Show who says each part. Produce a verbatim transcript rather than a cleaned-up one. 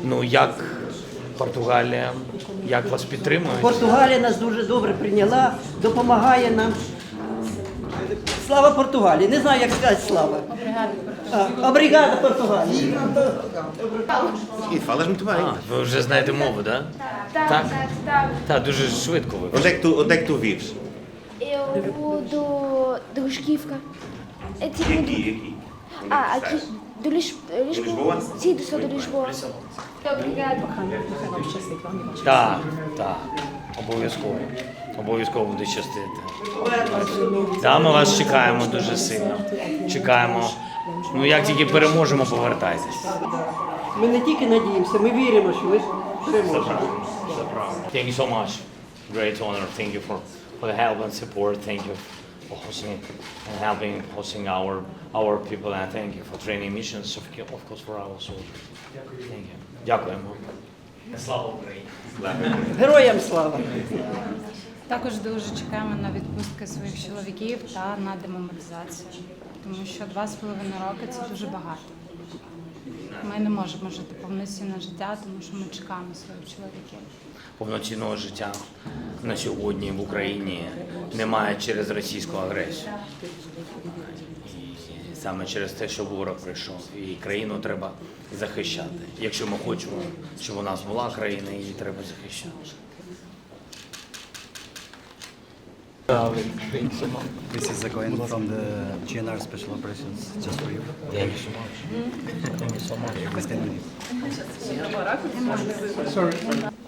Speaker 1: Ну, як Португалія, як вас підтримують?
Speaker 2: Португалія нас дуже добре прийняла, допомагає нам. Слава Португалії! Не знаю, як сказати слава. А, Обригада Португалії.
Speaker 3: E falas muito bem.
Speaker 1: А, ви вже знаєте мову, да?
Speaker 4: Так,
Speaker 1: Так?
Speaker 4: так, так.
Speaker 1: Так, дуже швидко ви.
Speaker 3: Onde é que tu, onde é que tu vives?
Speaker 4: Eu vou do, do Resquifca. É
Speaker 3: E
Speaker 4: tipo
Speaker 3: aqui,
Speaker 4: do,
Speaker 3: aqui. Onde é
Speaker 4: ah,
Speaker 3: que
Speaker 4: aqui,
Speaker 3: estás?
Speaker 4: do Lis, Lisboa.
Speaker 3: Lisboa?
Speaker 4: Sim, do sul de Lisboa. Obrigada.
Speaker 1: Так, так, обов'язково. Обов'язково буде щастити. Да, ми вас чекаємо дуже сильно. Чекаємо. Ну, як тільки переможемо, повертайтесь.
Speaker 2: Ми не тільки надіємося, ми віримо, що ви переможете.
Speaker 1: Thank you so much. Great honor. Thank you for, for the help and support. Thank you for hosting and helping hosting our our people, and thank you for training missions, of co- of course, for our soldiers. Thank you. Дякуємо. Слава Україні.
Speaker 2: Героям слава!
Speaker 5: Також дуже чекаємо на відпустки своїх чоловіків та на демобілізацію, тому що два з половиною роки це дуже багато. Ми не можемо жити повноцінне життя, тому що ми чекаємо своїх чоловіків.
Speaker 1: Повноцінного життя на сьогодні в Україні немає через російську агресію. І саме через те, що ворог прийшов. І країну треба захищати. Якщо ми хочемо, щоб у нас була країна, її треба захищати.
Speaker 6: This is a coin from the G N R Special Operations, just for you.
Speaker 1: Thank you so much.
Speaker 6: Please stand with you.